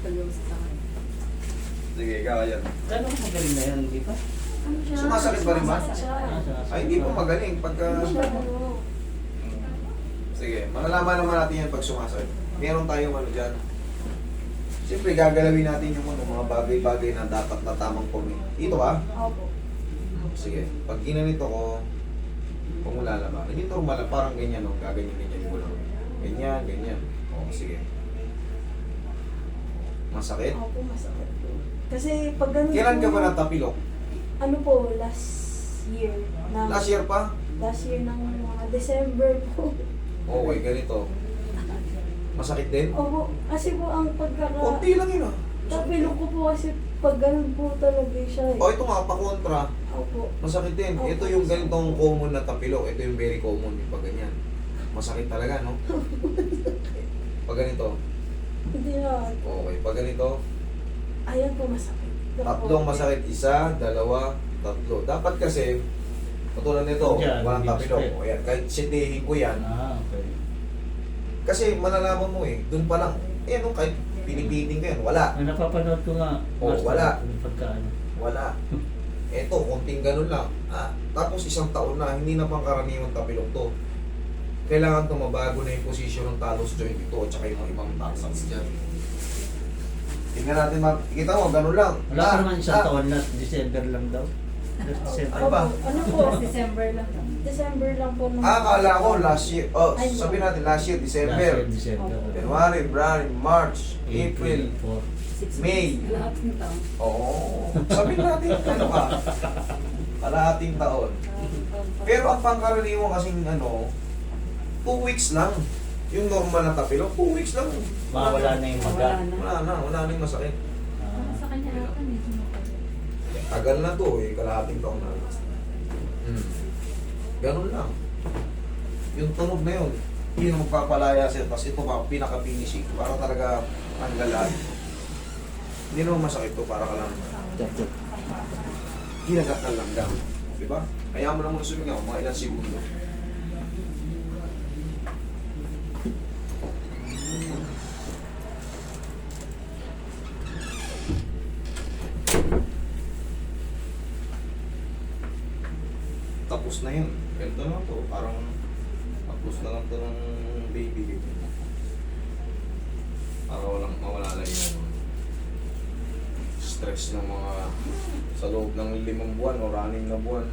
scoliosis sa akin. Sige, ikaw yan. Gano'ng magaling na yan, di ba? Ano siya? Sumasakit ba rin ba? Sumasakit siya. Ay, hindi po magaling. Pagka... Ano siya, ano? Sige, malalaman naman natin yan pag sumasakit. Meron tayong ano dyan. Siyempre, gagalawin natin yung mga bagay-bagay na dapat na tamang form. Dito ka? Opo. Sige, pag ginanito ko, kung wala naman, hindi normal lang, parang ganyan, no? Gaganyan-ganyan ko lang. Ganyan, ganyan. O, sige. Masakit? Opo, masakit po. Kasi pag ganun Kailan ka po, ba natapilok? ano po, last year. Last year pa? Last year ng mga December po. Okay, ganito. Masakit din? Opo, kasi po ang Kunti lang yun, ah. tapilok ko po kasi pag ganun po talaga siya eh. O, ito nga, pa-kontra. Opo. Masakit din. Opo. Ito yung ganitong common na tapilok. Ito yung very common, yung pag ganyan. Masakit talaga, no? Pag ganito. Hindi na. Okay, pag ganito. Ayan po masakit. Tatlong masakit. Isa, dalawa, tatlo. Dapat kasi, katulad nito, Diyan, walang hindi tapilok. masakit. O yan, kahit sitihin ko yan. Ah, okay. Kasi malalaman mo eh, dun pa lang, eh no, kahit pinipiting ko yan, wala. Ang napapanood ko nga, Oh, master, wala. yung pagkaano. Wala. Eto, konting ganun lang. Tapos isang taon na, hindi na pang karaniwang tapilok to. Kailangan to mabago na yung posisyon ng talos joint ito at saka yung mga ibang tarsals dyan. Tingnan natin, kita mo, ganun lang. Wala pa naman isang taon na, December lang daw. December. Ano ba? Ano po? December lang. December lang po. nung- Akala ko last year, Ay, sabi natin last year, Last December. year, December. January, February, March, April. 6 May. months. Lahat ng taon. Oo. Sabi natin, ano ka? Kalahating taon. Pero ang pangkaraniwan kasing 2 weeks lang. Yung normal na tapilok, 2 weeks lang. Mawala na yung maga. Wala na yung masakit. Ah, sa kanya ata medyo matagal. Tagal na to eh, kalahating taon na. Ganun lang. Yung tunog na yun, hindi na magpapalaya siya. Tapos ito pa, pinaka-finishing. Para talaga tanggalan. Hindi naman masakit to, para ka lang ginagat ng langgam. Diba? Kaya mo lang muna sumingaw, mga ilang segundo. Tapos na yun. Ganito na to. Parang tapos na lang to ng baby. Para walang mawala lang yung stress ng mga sa loob ng 5 buwan o 6 na buwan.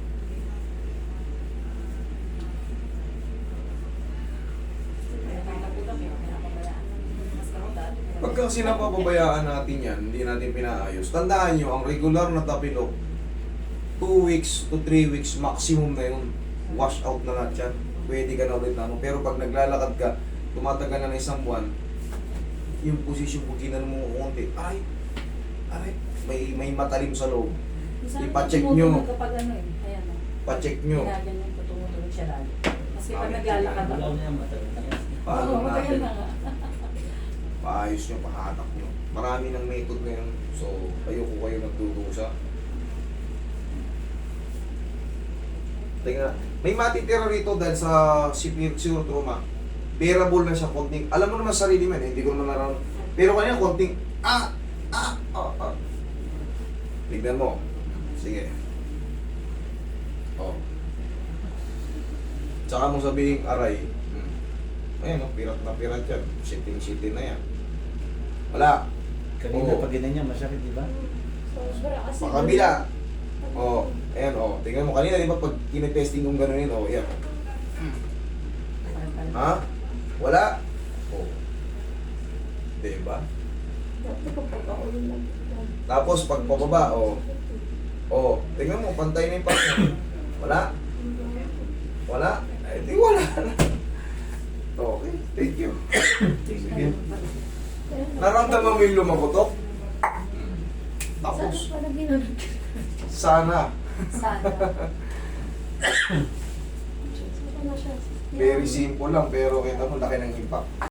Pagka sinapapabayaan natin yan, hindi natin pinaayos. Tandaan nyo, ang regular na tapilok, 2 weeks to 3 weeks maximum na yun. Wash out na lahat yan. Pwede ka na ulit na ano. Pero pag naglalakad ka, tumatagal na ng 1 buwan, yung posisyon ko ginano mo konti, aray, may matalim sa loob. Ipa-check nyo. Kapag ano eh, ayan o. Pa-check nyo. Ginaganyan ko, tumutulog siya lagi. Kasi pag Okay. naglalakad Wala ako. na yung matagal na yan. Paano Oo, matagal natin? na nga. Paayos nyo, pahatak nyo. Marami ng method ngayon. So, ayoko kayo nagdudusa. Tingnan. May matitira rito dahil sa severe trauma. Bearable na siya, konting. Alam mo naman sa sarili mo, hindi ko naman nararamdaman. Pero kanina, konting, Tignan mo. Sige. Oh. Tsaka mo sabihin, aray. Ayan, pirat na pirat yan. Siting-siting na yan. Wala. Kanina Oo. pag ganyan masakit, di ba? Sobra kasi. Pakabila. Oh, ayan oh. Tingnan mo kanina, di ba pag kinetesting kong gano'n oh, yan. Ha? Wala? Oh. Di ba? Dati ko pagkaulan lang. Tapos pag pababa, oh. Oh, tingnan mo, pantay na yung partner. Wala? Wala? Eh, di wala na. Okay, thank you. Sige. Naramdaman mo yung lumagotok? Tapos, Sana pala ginagawa. sana. Sana. Sana siya. Very simple lang, pero kita mo, laki ng impact.